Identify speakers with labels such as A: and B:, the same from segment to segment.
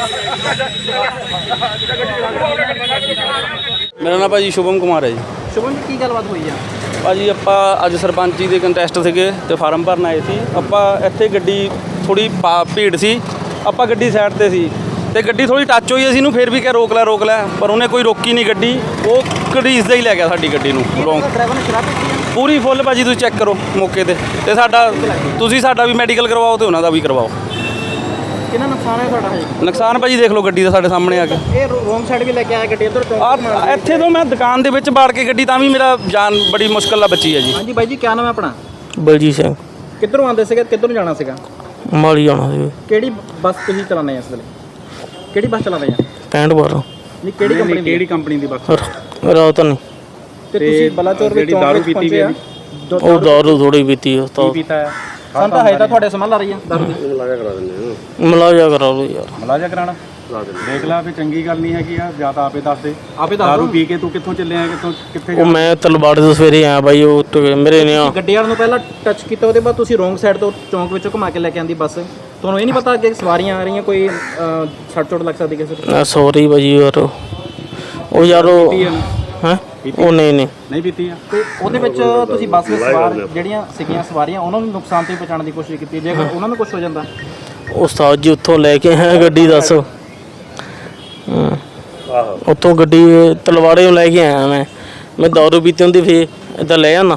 A: ਮੇਰਾ ਨਾਮ ਭਾਜੀ ਸ਼ੁਭਮ ਕੁਮਾਰ ਹੈ ਜੀ।
B: ਸ਼ੁਭਮ ਜੀ ਕੀ ਗੱਲਬਾਤ ਹੋਈ ਆ?
A: ਭਾਜੀ ਆਪਾਂ ਅੱਜ ਸਰਪੰਚੀ ਦੇ ਕੰਟੈਸਟ ਸੀਗੇ ਤੇ ਫਾਰਮ ਭਰਨ ਆਏ ਸੀ। ਆਪਾਂ ਇੱਥੇ ਗੱਡੀ ਥੋੜੀ ਭੀੜ ਸੀ, ਆਪਾਂ ਗੱਡੀ ਸਾਈਡ ਤੇ ਸੀ ਤੇ ਗੱਡੀ ਥੋੜੀ ਟੱਚ ਹੋਈ, ਅਸੀਂ ਇਹਨੂੰ ਫਿਰ ਵੀ ਕਿਹਾ ਰੋਕ ਲੈ, ਪਰ ਉਹਨੇ ਕੋਈ ਰੋਕੀ ਨਹੀਂ ਗੱਡੀ, ਉਹ ਘੜੀਸਦਾ ਹੀ ਲੈ ਗਿਆ ਸਾਡੀ ਗੱਡੀ ਨੂੰ।
B: ਡਰਾਈਵਰ ਨੇ ਸ਼ਰਾਬ ਪੀਤੀ ਆ?
A: ਪੂਰੀ ਫੁੱਲ ਭਾਜੀ, ਤੁਸੀਂ ਚੈੱਕ ਕਰੋ ਮੌਕੇ ਤੇ ਸਾਡਾ ਵੀ ਮੈਡੀਕਲ ਕਰਵਾਓ ਤੇ ਉਹਨਾਂ ਦਾ ਵੀ ਕਰਵਾਓ।
B: ਕਿੰਨਾ ਨੁਕਸਾਨ ਹੈ ਤੁਹਾਡਾ?
A: ਨੁਕਸਾਨ ਭਾਜੀ ਦੇਖ ਲਓ ਗੱਡੀ ਦਾ ਸਾਡੇ ਸਾਹਮਣੇ ਆ ਕੇ।
B: ਇਹ ਰੋਂਗ ਸਾਈਡ ਵੀ ਲੈ ਕੇ ਆਇਆ ਗੱਡੀ ਇੱਧਰ
A: ਇੱਥੇ ਤੋਂ ਮੈਂ ਦੁਕਾਨ ਦੇ ਵਿੱਚ ਬਾੜ ਕੇ ਗੱਡੀ, ਤਾਂ ਵੀ ਮੇਰਾ ਜਾਨ ਬੜੀ ਮੁਸ਼ਕਿਲ ਨਾਲ ਬਚੀ ਹੈ ਜੀ।
B: ਹਾਂਜੀ ਬਾਈ ਜੀ, ਕੀ ਨਾਮ ਹੈ ਆਪਣਾ?
C: ਬਲਜੀਤ ਸਿੰਘ।
B: ਕਿੱਧਰੋਂ ਆਉਂਦੇ ਸੀਗੇ, ਕਿੱਧਰੋਂ ਜਾਣਾ ਸੀਗਾ?
C: ਮਾਲੀ ਜਾਣਾ ਸੀ।
B: ਕਿਹੜੀ ਬੱਸ ਤੁਸੀਂ ਚਲਾਉਂਦੇ ਆ ਇਸ ਵੇਲੇ? ਕਿਹੜੀ ਬੱਸ ਚਲਾਉਂਦੇ ਆ?
C: 65 12।
B: ਨਹੀਂ, ਕਿਹੜੀ ਕੰਪਨੀ ਦੀ ਬੱਸ?
C: ਰਾਤ ਨਹੀਂ
B: ਤੇ ਤੁਸੀਂ ਬਲਾਚੌਰ ਵਿੱਚ ਦਾਰੂ ਪੀਤੀ ਵੀ ਆ?
C: ਉਹ ਦਾਰੂ ਥੋੜੀ ਪੀਤੀ ਉਸ ਤੋਂ
B: ਪੀਤਾ ਹੈ ਸਾਨੂੰ ਤਾਂ ਹੈ ਤਾਂ ਤੁਹਾਡੇ ਸਮਝ ਲਾ ਰਹੀ ਆ ਦਾਰੂ ਦੀ।
C: ਮਲਾਜਾ ਕਰਾ ਲਓ ਯਾਰ।
D: ਮਲਾਜਾ ਕਰਾਣਾ ਦੇਖ ਲਾ ਵੀ ਚੰਗੀ ਗੱਲ ਨਹੀਂ ਹੈਗੀ ਆ। ਜਾਂ ਤਾਂ ਆਪੇ ਦੱਸ ਦੇ, ਦਾਰੂ ਪੀ ਕੇ ਤੂੰ ਕਿੱਥੋਂ ਚੱਲਿਆ, ਕਿੱਥੇ?
C: ਉਹ ਮੈਂ ਤਲਵਾੜੇ ਤੋਂ ਸਵੇਰੇ ਆਇਆ ਬਾਈ, ਉਹ ਮੇਰੇ ਨੇ
B: ਗੱਡੀ ਵਾਲ ਨੂੰ ਪਹਿਲਾਂ ਟੱਚ ਕੀਤਾ, ਉਹਦੇ ਬਾਅਦ ਤੁਸੀਂ ਰੋਂਗ ਸਾਈਡ ਤੋਂ ਚੌਂਕ ਵਿੱਚੋਂ ਘੁਮਾ ਕੇ ਲੈ ਕੇ ਆਂਦੀ ਬੱਸ। ਤੁਹਾਨੂੰ ਇਹ ਨਹੀਂ ਪਤਾ ਅੱਗੇ ਸਵਾਰੀਆਂ ਆ ਰਹੀਆਂ, ਕੋਈ ਸੱਟ ਚੋਟ ਲੱਗ ਸਕਦੀ ਕਿਸੇ ਨੂੰ?
C: ਸੌਰੀ ਭਾਜੀ ਯਾਰ, ਉਹ ਯਾਰ ਹੈਂ ਉਹ ਨਹੀਂ
D: ਪੀਤੀ ਆ।
B: ਤੇ ਉਹਦੇ ਵਿੱਚ ਤੁਸੀਂ ਬੱਸ ਵਿੱਚ ਸਵਾਰ ਜਿਹੜੀਆਂ ਸੀਗੀਆਂ ਸਵਾਰੀਆਂ, ਉਹਨਾਂ ਨੂੰ ਨੁਕਸਾਨ ਤੋਂ ਬਚਾਉਣ ਦੀ ਕੋਸ਼ਿਸ਼ ਕੀਤੀ, ਜੇ ਉਹਨਾਂ ਨੂੰ ਕੁਝ ਹੋ ਜਾਂਦਾ?
C: ਉਸਤਾਦ ਜੀ ਉੱਥੋਂ ਲੈ ਕੇ ਆਇਆ ਗੱਡੀ, ਦੱਸ। ਉੱਥੋਂ ਗੱਡੀ ਤਲਵਾੜੇ ਨੂੰ ਲੈ ਕੇ ਆਇਆ ਮੈਂ ਦਾਰੂ ਪੀਤੀ ਹੁੰਦੀ ਫੇਰ ਇੱਦਾਂ ਲੈ ਆਣਾ।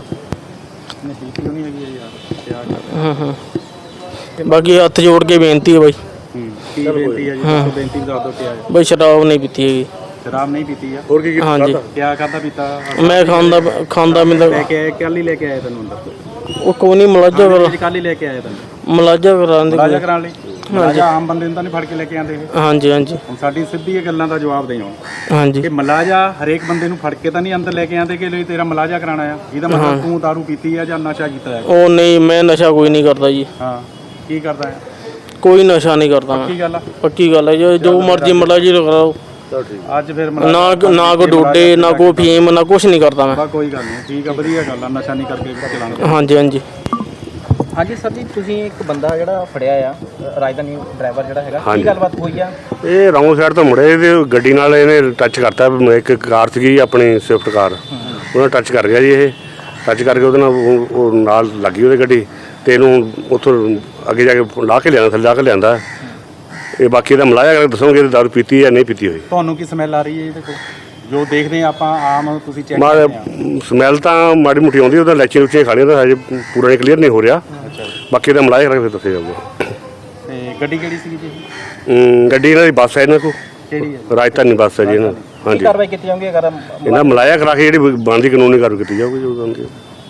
C: ਬਾਕੀ ਹੱਥ ਜੋੜ ਕੇ ਬੇਨਤੀ ਹੈ ਬਾਈ।
D: ਕੀ ਬੇਨਤੀ ਹੈ ਜੀ? ਬੇਨਤੀ ਦੱਸ ਦਿਓ ਕੀ ਹੈ।
C: ਬਾਈ ਸ਼ਰਾਬ ਨਹੀਂ ਪੀਤੀ ਹੈਗੀ।
D: ਸ਼ਰਾਬ ਨਹੀਂ ਪੀਤੀ ਆ?
C: ਹੋਰ ਕੀ? ਹਾਂਜੀ।
D: ਕਿਆ ਕਰਦਾ ਪੀਤਾ?
C: ਮੈਂ ਖਾਂਦਾ ਮੈਂ
D: ਲੈ ਕੇ ਆਇਆ, ਕੱਲ ਹੀ ਲੈ ਕੇ ਆਇਆ ਤੈਨੂੰ ਅੰਦਰ?
C: ਉਹ ਕੋਈ ਨਹੀਂ, ਮਲਾਜਾ ਕਰਾ,
D: ਕੱਲ ਹੀ ਲੈ ਕੇ ਆਇਆ ਤੈਨੂੰ?
C: ਮਲਾਜਾ ਕਰਾਉਣ ਦੀ।
D: ਮਲਾਜਾ ਕਰਾਉਣ ਲਈ? ਮਲਾਜਾ ਆਮ ਬੰਦੇ ਨੂੰ ਤਾਂ ਨਹੀਂ ਫੜ ਕੇ ਲੈ ਕੇ ਆਉਂਦੇ ਇਹ?
C: ਹਾਂਜੀ।
D: ਹੁਣ ਸਾਡੀ ਸਿੱਧੀ ਇਹ ਗੱਲਾਂ ਦਾ ਜਵਾਬ ਦੇਣਾ
C: ਹਾਂਜੀ
D: ਕਿ ਮਲਾਜਾ ਹਰੇਕ ਬੰਦੇ ਨੂੰ ਫੜ ਕੇ ਤਾਂ ਨਹੀਂ ਅੰਦਰ ਲੈ ਕੇ ਆਉਂਦੇ ਕਿ ਲਈ ਤੇਰਾ ਮਲਾਜਾ ਕਰਾਉਣਾ ਆ। ਇਹਦਾ ਮਤਲਬ ਤੂੰ ਦਾਰੂ ਪੀਤੀ ਆ ਜਾਂ ਨਸ਼ਾ ਕੀਤਾ ਹੈ?
C: ਉਹ ਨਹੀਂ, ਮੈਂ ਨਸ਼ਾ ਕੋਈ ਨਹੀਂ ਕਰਦਾ ਜੀ।
D: ਹਾਂ, ਕੀ ਕਰਦਾ ਹੈ?
C: ਕੋਈ ਨਸ਼ਾ ਨਹੀਂ ਕਰਦਾ ਮੈਂ।
D: ਪੱਕੀ ਗੱਲ ਆ?
C: ਪੱਕੀ ਗੱਲ ਹੈ, ਜੋ ਮਰਜ਼ੀ ਮਲਾਜੀ ਕਰਾਓ।
D: ਅੱਜ ਫਿਰ
C: ਨਾ ਕੋ ਡੋਡੇ, ਨਾ ਕੋ ਫੀਮ, ਨਾ ਕੁਛ ਨਹੀਂ ਕਰਦਾ ਮੈਂ।
D: ਕੋਈ ਗੱਲ ਨਹੀਂ, ਠੀਕ ਆ, ਵਧੀਆ ਗੱਲ ਆ, ਨਸ਼ਾ ਨਹੀਂ ਕਰਕੇ ਚਲਾਉਣਾ।
C: ਹਾਂਜੀ
B: ਹਾਂਜੀ ਸਰ ਜੀ, ਤੁਸੀਂ ਇੱਕ ਬੰਦਾ ਜਿਹੜਾ ਫੜਿਆ ਆ ਰਾਜਧਾਨੀ ਡਰਾਈਵਰ ਜਿਹੜਾ ਹੈਗਾ, ਕੀ ਗੱਲਬਾਤ ਹੋਈ ਆ?
E: ਇਹ ਰੌਂਗ ਸਾਈਡ ਤੋਂ ਮੁੜੇ ਤੇ ਗੱਡੀ ਨਾਲ ਇਹਨੇ ਟੱਚ ਕਰਤਾ। ਇੱਕ ਕਾਰ ਸੀਗੀ ਆਪਣੀ ਸਵਿਫਟ ਕਾਰ, ਉਹਨਾਂ ਟੱਚ ਕਰ ਗਿਆ ਜੀ। ਇਹ ਟੱਚ ਕਰਕੇ ਉਹਦੇ ਨਾਲ ਉਹ ਨਾਲ ਲੱਗੀ ਉਹਦੀ ਗੱਡੀ, ਤੇ ਇਹਨੂੰ ਉੱਥੋਂ ਅੱਗੇ ਜਾ ਕੇ ਲਾ ਕੇ ਲਿਆਂਦਾ। ਇਹ ਬਾਕੀ ਇਹਦਾ ਮਲਾਇਆ ਕਰਕੇ ਦੱਸੋਗੇ ਦਾਰੂ ਪੀਤੀ ਜਾਂ ਨਹੀਂ ਪੀਤੀ ਹੋਈ।
D: ਤੁਹਾਨੂੰ ਕੀ ਸਮੈਲ ਆ ਰਹੀ ਹੈ ਇਹਦੇ ਕੋਲ? ਜੋ ਦੇਖਦੇ ਆ ਆਪਾਂ ਆਮ, ਤੁਸੀਂ ਚੈੱਕ
E: ਸਮੈਲ ਤਾਂ ਮਾੜੀ ਮੋਟੀ ਆਉਂਦੀ, ਉਹਦਾ ਲੈਚੇ ਲੁਚੇ ਖਾਣੀਆਂ ਤਾਂ ਹਜੇ ਪੂਰਾ ਨਹੀਂ ਕਲੀਅਰ ਨਹੀਂ ਹੋ ਰਿਹਾ। ਬਾਕੀ ਇਹਦਾ ਮਲਾਇਆ ਕਰਕੇ ਫਿਰ ਦੱਸਿਆ ਜਾਊਗਾ।
D: ਤੇ ਗੱਡੀ ਕਿਹੜੀ ਸੀਗੀ ਜੀ?
E: ਗੱਡੀ ਇਹਨਾਂ ਦੀ ਬੱਸ ਹੈ, ਇਹਨਾਂ ਕੋਲ
D: ਕਿਹੜੀ ਹੈ?
E: ਰਾਜਧਾਨੀ ਬੱਸ ਹੈ ਜੀ ਇਹਨਾਂ। ਹਾਂਜੀ,
B: ਕਾਰਵਾਈ ਕੀਤੀ ਜਾਊਗੀ ਅਗਰ
E: ਇਹਨਾਂ ਮਲਾਇਆ ਕਰਾ ਕੇ ਜਿਹੜੀ ਬਣਦੀ ਕਾਨੂੰਨੀ ਕਾਰਵਾਈ ਕੀਤੀ ਜਾਊਗੀ ਜੋ ਬਣਦੀ।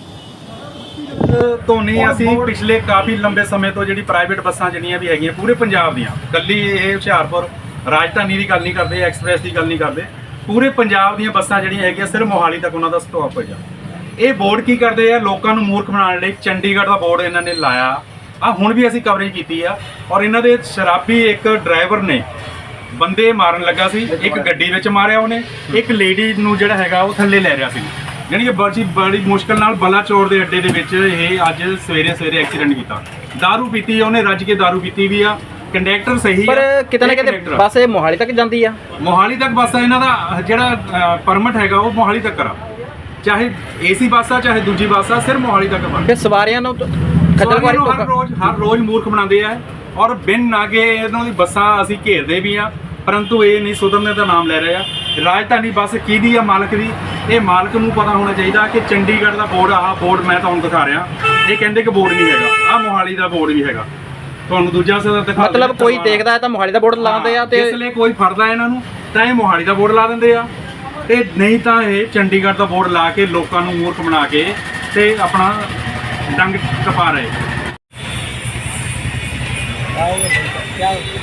D: ਧੋਨੀ ਅਸੀਂ ਪਿਛਲੇ ਕਾਫੀ ਲੰਬੇ ਸਮੇਂ ਤੋਂ ਜਿਹੜੀ ਪ੍ਰਾਈਵੇਟ ਬੱਸਾਂ ਜਿਹੜੀਆਂ ਵੀ ਹੈਗੀਆਂ ਪੂਰੇ ਪੰਜਾਬ ਦੀਆਂ, ਕੱਲੀ ਇਹ ਹੁਸ਼ਿਆਰਪੁਰ ਰਾਜਧਾਨੀ ਦੀ ਗੱਲ ਨਹੀਂ ਕਰਦੇ, ਐਕਸਪ੍ਰੈਸ ਦੀ ਗੱਲ ਨਹੀਂ ਕਰਦੇ, ਪੂਰੇ ਪੰਜਾਬ ਦੀਆਂ ਬੱਸਾਂ ਜਿਹੜੀਆਂ ਹੈਗੀਆਂ ਸਿਰਫ ਮੋਹਾਲੀ ਤੱਕ ਉਹਨਾਂ ਦਾ ਸਟਾਪ ਹੋਇਆ। ਇਹ ਬੋਰਡ ਕੀ ਕਰਦੇ ਆ? ਲੋਕਾਂ ਨੂੰ ਮੂਰਖ ਬਣਾਉਣ ਲਈ ਚੰਡੀਗੜ੍ਹ ਦਾ ਬੋਰਡ ਇਹਨਾਂ ਨੇ ਲਾਇਆ ਆ। ਹੁਣ ਵੀ ਅਸੀਂ ਕਵਰੇਜ ਕੀਤੀ ਆ, ਔਰ ਇਹਨਾਂ ਦੇ ਸ਼ਰਾਬੀ ਇੱਕ ਡਰਾਈਵਰ ਨੇ ਬੰਦੇ ਮਾਰਨ ਲੱਗਾ ਸੀ, ਇੱਕ ਗੱਡੀ ਵਿੱਚ ਮਾਰਿਆ ਉਹਨੇ, ਇੱਕ ਲੇਡੀ ਨੂੰ ਜਿਹੜਾ ਹੈਗਾ ਉਹ ਥੱਲੇ ਲੈ ਰਿਹਾ ਸੀ। ਜਾਣੀ ਕਿ ਬੜੀ ਮੁਸ਼ਕਲ ਨਾਲ ਬਲਾਚੌਰ ਦੇ ਅੱਡੇ ਦੇ ਵਿੱਚ ਇਹ ਅੱਜ ਸਵੇਰੇ ਐਕਸੀਡੈਂਟ ਕੀਤਾ। ਦਾਰੂ ਪੀਤੀ ਉਹਨੇ, ਰੱਜ ਕੇ ਦਾਰੂ ਪੀਤੀ ਵੀ ਆ। ਕੰਡਕਟਰ ਸਹੀ
B: ਪਰ ਕਿਤੇ ਨਾ ਕਿਤੇ ਬੱਸ ਇਹ ਮੋਹਾਲੀ ਤੱਕ ਜਾਂਦੀ ਆ।
D: ਮੋਹਾਲੀ ਤੱਕ ਬੱਸ ਆ, ਇਹਨਾਂ ਦਾ ਜਿਹੜਾ ਪਰਮਿਟ ਹੈਗਾ ਉਹ ਮੋਹਾਲੀ ਤੱਕ ਕਰਾ, ਚਾਹੇ ਏਸੀ ਬੱਸ ਆ ਚਾਹੇ ਦੂਜੀ ਬੱਸ ਆ, ਸਿਰਫ ਮੋਹਾਲੀ ਤੱਕ ਬਣ।
B: ਤੇ ਸਵਾਰੀਆਂ ਨੂੰ
D: ਹਰ ਰੋਜ਼ ਮੂਰਖ ਬਣਾਉਂਦੇ ਆ, ਔਰ ਬਿਨ ਨਾਗੇ ਇਹਨਾਂ ਦੀ ਬੱਸਾਂ ਅਸੀਂ ਘੇਰਦੇ ਵੀ ਆ, ਪਰੰਤੂ ਇਹ ਨਹੀਂ ਸੁਧਰਨੇ ਦਾ ਨਾਮ ਲੈ ਰਹੇ ਆ। ਰਾਜਧਾਨੀ ਬੱਸ ਕਿਹਦੀ ਆ? ਮਾਲਕ ਦੀ। ਇਹ ਮਾਲਕ ਨੂੰ ਪਤਾ ਹੋਣਾ ਚਾਹੀਦਾ ਕਿ ਚੰਡੀਗੜ੍ਹ ਦਾ ਬੋਰਡ, ਆਹ ਬੋਰਡ ਮੈਂ ਤੁਹਾਨੂੰ ਦਿਖਾ ਰਿਹਾ, ਇਹ ਕਹਿੰਦੇ ਕਿ ਬੋਰਡ ਨਹੀਂ ਹੈਗਾ, ਆਹ ਮੋਹਾਲੀ ਦਾ ਬੋਰਡ ਵੀ ਹੈਗਾ। ਤੁਹਾਨੂੰ ਦੂਜਾ ਦਿਖਾ,
B: ਮਤਲਬ ਕੋਈ ਦੇਖਦਾ ਹੈ ਤਾਂ ਮੋਹਾਲੀ ਦਾ ਬੋਰਡ ਲਾਉਂਦੇ ਆ, ਤੇ
D: ਇਸ ਲਈ ਕੋਈ ਫੜਦਾ ਇਹਨਾਂ ਨੂੰ ਤਾਂ ਇਹ ਮੋਹਾਲੀ ਦਾ ਬੋਰਡ ਲਾ ਦਿੰਦੇ ਆ, ਤੇ ਨਹੀਂ ਤਾਂ ਇਹ ਚੰਡੀਗੜ੍ਹ ਦਾ ਬੋਰਡ ਲਾ ਕੇ ਲੋਕਾਂ ਨੂੰ ਮੂਰਖ ਬਣਾ ਕੇ ਤੇ ਆਪਣਾ ਡੰਗ ਟਪਾ ਰਹੇ।